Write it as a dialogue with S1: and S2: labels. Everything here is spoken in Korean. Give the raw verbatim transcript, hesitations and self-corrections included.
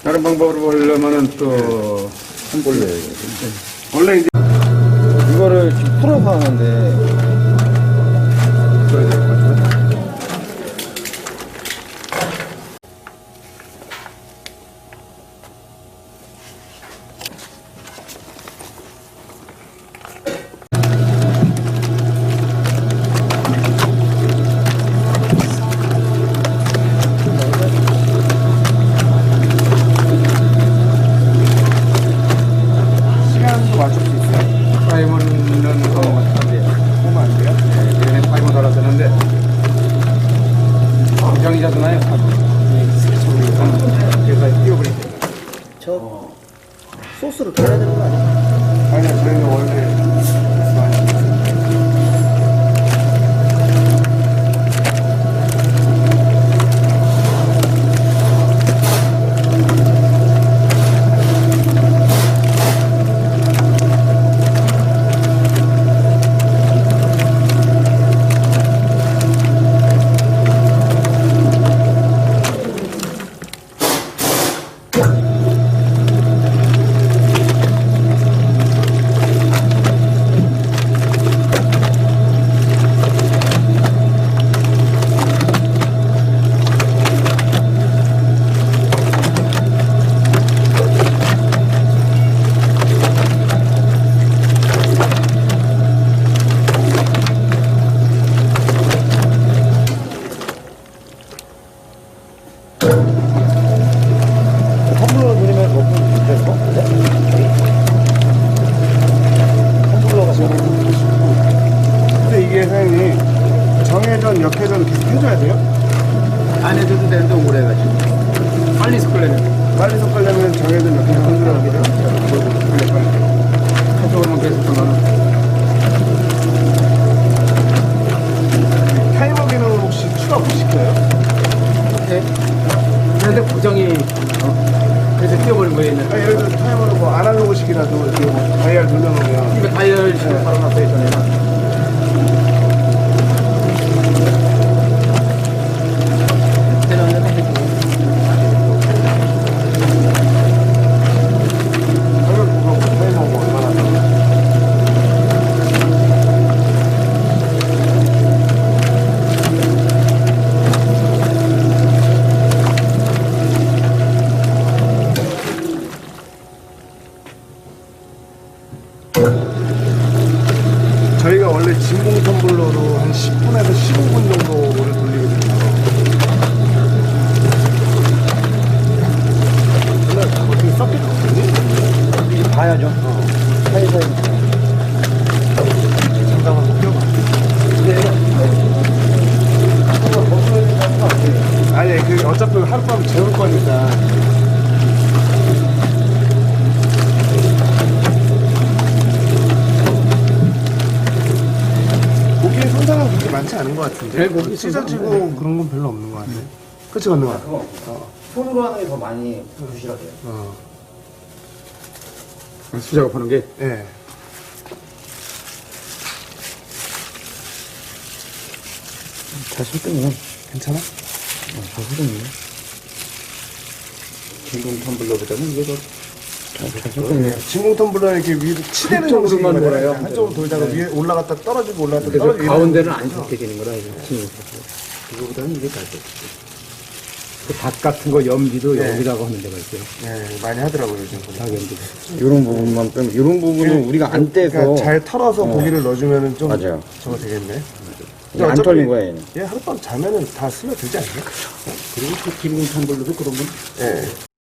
S1: 다른 방법으로 보려면은 또, 한 볼래.
S2: 원래 이제
S3: 이거를 지금 풀어서 하는데
S2: 그래야 될 것 같은데. 시간도 맞출 수 있어요?
S1: 타이머는 뭐, 안 돼요.
S2: 보면 안 돼요?
S1: 네, 예전에 타이머 달았었는데, 고장이잖아요. 그래서 띄워버릴게요.
S3: 저 소스를 껴야 되는 거 아니야?
S2: 아니요, 저희는 원래 많이
S3: 텀블러 누르면 몇분 될 거? 텀블러가
S2: 근데 이게 사장님 정회전, 역회전 계속 해줘야 돼요?
S1: 안 해줘도 되는데 오래 해가지고. 빨리 섞으려면.
S2: 빨리 섞으려면 정회전, 역회전 흔들어야 돼요?
S1: 빨리, 빨리. 한쪽으로만 계속 섞으면.
S2: 타이머 기능은 혹시 추가 못 시켜요?
S1: 네. 그런데 고정이, 어, 그래서 띄워버린 거예요.
S2: 아니, 예를 들어 타이머로 뭐 아날로그식이라도 이렇게 뭐 다이얼 돌려놓으면
S1: 이거 다이얼 지금 바로 놨어요, 전에는.
S2: 가격 그거 타이머 뭐 얼마나 돼요? 저희가 원래 진공 텀블러로 한 십 분에서 십오 분 정도를 돌리거든요. 원래 어떻게 섞였거든요?
S3: 봐야죠. 사이사이.
S2: 잠깐 한번 껴봐. 아니, 그 어차피 하룻밤 재울 거니까. 고기의 손상은 그렇게 많지 않은 것 같은데.
S1: 네, 고기
S2: 찢어지고 그런 건 별로 없는 것 같네. 그치, 건너가? 어.
S3: 손으로 하는 게 더 많이 부실하대요.
S2: 어.
S1: 수작업하는 게.
S2: 예.
S3: 잘 섞으면
S2: 괜찮아?
S3: 잘 섞으면
S1: 진공 텀블러보다는 이게 더.
S3: 잘 섞으면
S2: 진공 텀블러는 이렇게 위로 치대는
S1: 한쪽으로만
S2: 형식이거든요.
S1: 돌아요.
S2: 한쪽으로 돌다가 위에 올라갔다 떨어지고 올라갔다
S1: 그래서
S2: 떨어지고.
S1: 가운데는 안 섞게 되는 거라, 이거. 진공 텀블러. 그거보다는 이게 잘 돼. 그닭 같은 거 염비도
S2: 네.
S1: 여기다가 하는 데가 있어요.
S2: 예, 많이 하더라고요, 요즘. 보니까.
S1: 닭 염비.
S3: 이런 부분만 빼면 이런 부분은 우리가 안 떼서
S2: 그러니까 잘 털어서
S3: 어.
S2: 고기를 넣어주면은 좀
S3: 맞아요.
S2: 저거 되겠네.
S3: 이게 안 털린 거야 얘는.
S2: 얘 하룻밤 자면은 다 스며들지 않나?
S1: 그리고 그 진공 텀블러도 그러면
S2: 예.